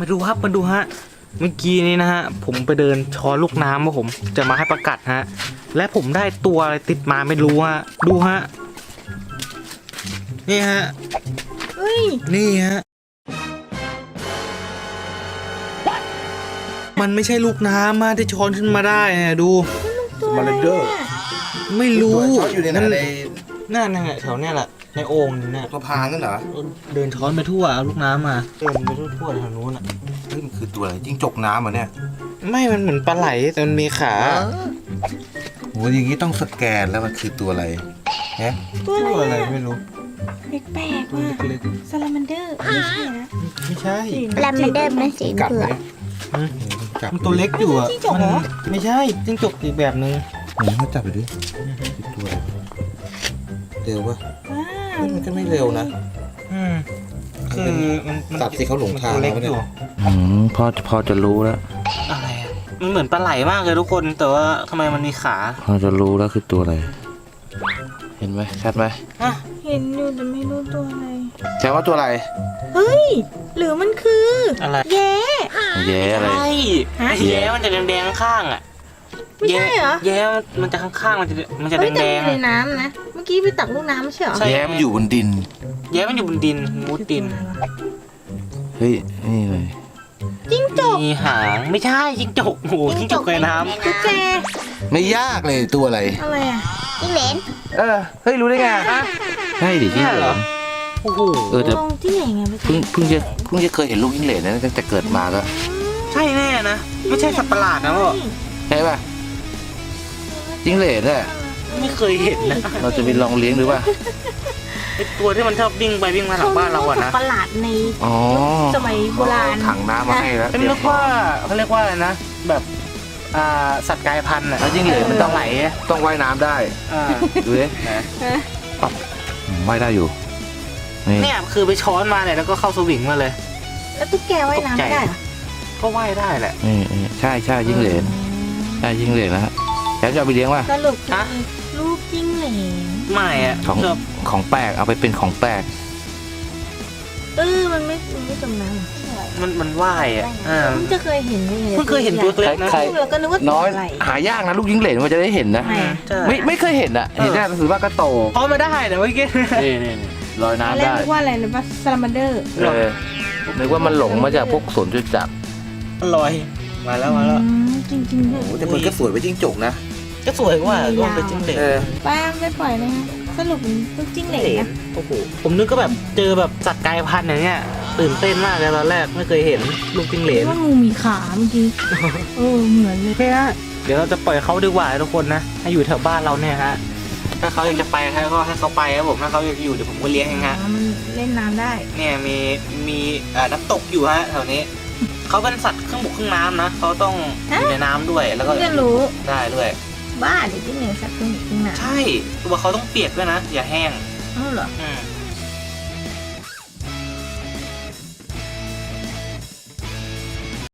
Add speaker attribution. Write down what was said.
Speaker 1: มาดูครับมาดูฮะเมื่อกี้นี้นะฮะผมไปเดินช้อนลูกน้ำว่าผมจะมาให้ประกัดฮะและผมได้ตัวอะไรติดมาไม่รู้ฮะดูฮะนี่ฮะ
Speaker 2: เฮ้ย
Speaker 1: นี่ฮะมันไม่ใช่ลูกน้ำมาที่ช้อนขึ้นมาได้นะดู
Speaker 2: ตัว
Speaker 3: มา
Speaker 2: อะไร
Speaker 3: เลเดอร์
Speaker 2: เนี่ย
Speaker 1: ไม่รู้
Speaker 3: ช้อนอยู่ในนั้นใน
Speaker 1: นั่นแถวเนี้ยแหละในโอ่งนี่เนี่ย
Speaker 3: สะพานนั่นเหรอ
Speaker 1: เดินช้อนไปทั่วเอาลูกน้ำมาเดินไปทั่วแถวนู้นอ่ะ
Speaker 3: เฮ้ยมันคือตัวอะไรจิ้งจกน้ำเหรอเนี่ย
Speaker 1: ไม่มันเหมือนปลาไหลแต่มันมีขา
Speaker 3: โหอย่างนี้ต้องสแกนแล้วมันคือตัวอะไรฮะ
Speaker 2: ตัว
Speaker 1: ตัว
Speaker 2: อะ
Speaker 1: อะไร ไร
Speaker 2: อะ
Speaker 1: ไม่รู้
Speaker 2: แปลกๆ
Speaker 1: ตัว
Speaker 2: ว่ะ
Speaker 1: เล็ก
Speaker 2: ซาลามันเดอร์ไม่ใช่นะ
Speaker 1: ๆไม่ใช่
Speaker 4: แล้วมันเดินเป็นสี
Speaker 3: กัด
Speaker 4: เผื
Speaker 3: ไหม
Speaker 4: อก
Speaker 3: จับ
Speaker 1: มันตัวเล็กอยู่อ่ะมันไม่ใช่จิ้งจกอีกแบบนึง
Speaker 3: ไหนมาจับไปดิคือตัวอะไรเร็วปะ
Speaker 2: ว้า
Speaker 3: เฮ้ยมันก็ไม่เร็วนะ
Speaker 1: คือมัน
Speaker 3: ตัดสิเขาหลงทาง
Speaker 1: ตัวเล็ก
Speaker 3: แล้ว
Speaker 1: อ
Speaker 3: เนี่ย
Speaker 1: ยู่
Speaker 5: พอจะรู้แล้ว
Speaker 1: อะไรอ่ะมันเหมือนปลาไหลมากเลยทุกคนแต่ว่าทำไมมันมีขา
Speaker 5: พอจะรู้แล้วคือตัวอะไร เห็นไหมชัดไหม
Speaker 1: อ่ะ
Speaker 2: เห็นอยู่แต่ไม่รู้ตัวอะไร
Speaker 5: แค่ว่าตัวอะไร
Speaker 2: เฮ้ย หรือมันคือ
Speaker 1: อะไร
Speaker 2: แย้
Speaker 5: แย่อะไร
Speaker 1: ใช่
Speaker 2: ฮะ
Speaker 1: แย้มันจะแดงๆข้างๆอ่ะ
Speaker 2: ไม่ใช่เหรอ
Speaker 1: แย้มันจะข้างๆมันจะ
Speaker 2: เฮ้ย
Speaker 1: แด
Speaker 2: แต่
Speaker 1: ง
Speaker 2: มันอยู่ในน้ำนะ เมื่อกี้ไปตักลูกน้ำไม่ใช่เหรอ
Speaker 1: ใช่
Speaker 5: แย่มันอยู่บนดิน
Speaker 1: ๆแย้มันอยู่บนดินมุดดิน
Speaker 5: เฮ้ย นี่เลย
Speaker 2: จิ้งจก
Speaker 1: มีหางไม่ใช่จิ้งจกโอ้โหจิ้งจกในน้
Speaker 2: ตุ๊กแก
Speaker 5: ไม่ยากเลยตัวอะไร
Speaker 2: อะไรอ่ะ
Speaker 4: จิ้งเหลน
Speaker 5: เฮ้ยรู้ได้ไงใช่ดิ
Speaker 1: ำ
Speaker 5: จิ้
Speaker 1: เนี่
Speaker 5: ง
Speaker 1: ย
Speaker 5: เห
Speaker 1: เห
Speaker 5: ล
Speaker 1: รอน โอ้โห
Speaker 5: แต่
Speaker 2: ลองที่ไหนไงไป
Speaker 5: เพิ่งจะเคยเห็นลูกจิ้งเหลนนะตั้งแต่เกิดมาก็
Speaker 1: ใช่แน่นะไม่ใช่สัตว์ประหลาดนะพ่อ
Speaker 5: ใช่ป่ะจิ้งเหลนน่ะ
Speaker 1: ไม่เคยเห็นนะ
Speaker 5: เราจะไปลองเลี้ยงดูป่ะ
Speaker 1: ไอตัวที่มันชอบวิ่งไปวิ่งมาหลังบ้านเราอะนะ
Speaker 2: ประหลาดใน
Speaker 5: อ๋อ
Speaker 2: สมัยโบราณ
Speaker 5: ถังน้ำมาให้แล้ว
Speaker 1: เป็นเรียกว่าเขาเรียกว่าอะไรนะแบบสัตว์กายพันธุ์อะ
Speaker 5: แล้วจิ้งเหลนมันต้อง
Speaker 1: ไหลอะ
Speaker 5: ต้องว่ายน้ำได้
Speaker 1: อ่า
Speaker 5: ดูดิว่ายได้อยู่นี่
Speaker 1: เนี่ยคือไปช้อนมาเนี่ยแล้วก็เข้าสวิงมาเลย
Speaker 2: แล้วตุ๊กแกว่ายน้ำไม่ได้เหรอ
Speaker 1: ก็ว่ายได้แหละ
Speaker 5: นี่ใช่จิ้งเหลนใช่จิ้งเหลนนะฮะแล้วจะเอาไปเลี้ยงป่ะ
Speaker 2: สรุป
Speaker 1: ฮะ
Speaker 2: ลูกจิ้งเหลน
Speaker 1: ไม่อะ
Speaker 5: ของ
Speaker 1: ชอบ
Speaker 5: ของแปลกเอาไปเป็นของแปลก
Speaker 2: มันไม่จมน้ำเหรอ
Speaker 1: มันว่ายอะอ่า
Speaker 2: เพิ่งจะเคยเห็นเลย
Speaker 1: เพิ่งเคยเห็นตัวเล็กนะ
Speaker 5: ใคร
Speaker 2: เราก็นึกว่า
Speaker 5: น้อย
Speaker 2: อะไร
Speaker 5: หายากนะลูกจิ้งเหลนมันจะได้เห็นนะ
Speaker 2: ไม่
Speaker 1: ใช่
Speaker 5: ไม่เคยเห็นอ่ะเห็นได้หนังสือว่าก็โต
Speaker 1: เพราะมาได้แต่เมื่อกี้
Speaker 5: นี่ลอย
Speaker 2: ตอน
Speaker 5: น้ำ
Speaker 2: แรก
Speaker 5: ได้
Speaker 2: นึกว่าอะไรนะว่าซาลามันเดอร์
Speaker 5: นึกว่ามันหลงมาจากพวกสวนจตุจักร
Speaker 1: ลอยมาแล้ว
Speaker 2: จริงๆด้วย
Speaker 3: โอ้แต่มันก็สวยไปจิ้งจกนะ
Speaker 1: ก็สวยกว่าก็เป็นจิ้งเหลน
Speaker 2: ป้าไม่ปล่อยเลยนะสรุปมันลูกจิ้งเหลนนะ
Speaker 1: โอ้โหผมนึกก็แบบเจอแบบสัตว์กายพันธุ์อย่างเงี้ยตื่นเต้นมากเลยตอนแรกไม่เคยเห็นลูกจิ้งเหลน
Speaker 2: ว่างูมีขาเมื่อกี้เหมือนเลย
Speaker 1: โอเคฮะเดี๋ยวเราจะปล่อยเขาดีกว่าทุกคนนะให้อยู่แถวบ้านเราเนี่ยฮะถ้าเขาอยากจะไปก็ให้เขาไปครับผมถ้าเขาอยากอยู่เดี๋ยวผมก็เลี้ยงเองฮะ
Speaker 2: มันเล่นน้ำได้
Speaker 1: เนี่ยมีน้ำตกอยู่ฮะแถวนี้เขาเป็นสัตว์ครึ่งบกครึ่งน้ำนะเขาต้องอยู่ในน้ำด้วยแล้วก็
Speaker 2: จะรู้
Speaker 1: ได้ด้วย
Speaker 2: บ้าเดี๋ยวจิ้งเหลนสัตว์ครึ่งหนึ่ง
Speaker 1: ใช่ตัวเขาต้องเปียกด้วยนะอย่าแห้ง
Speaker 2: เหรอ
Speaker 1: อืม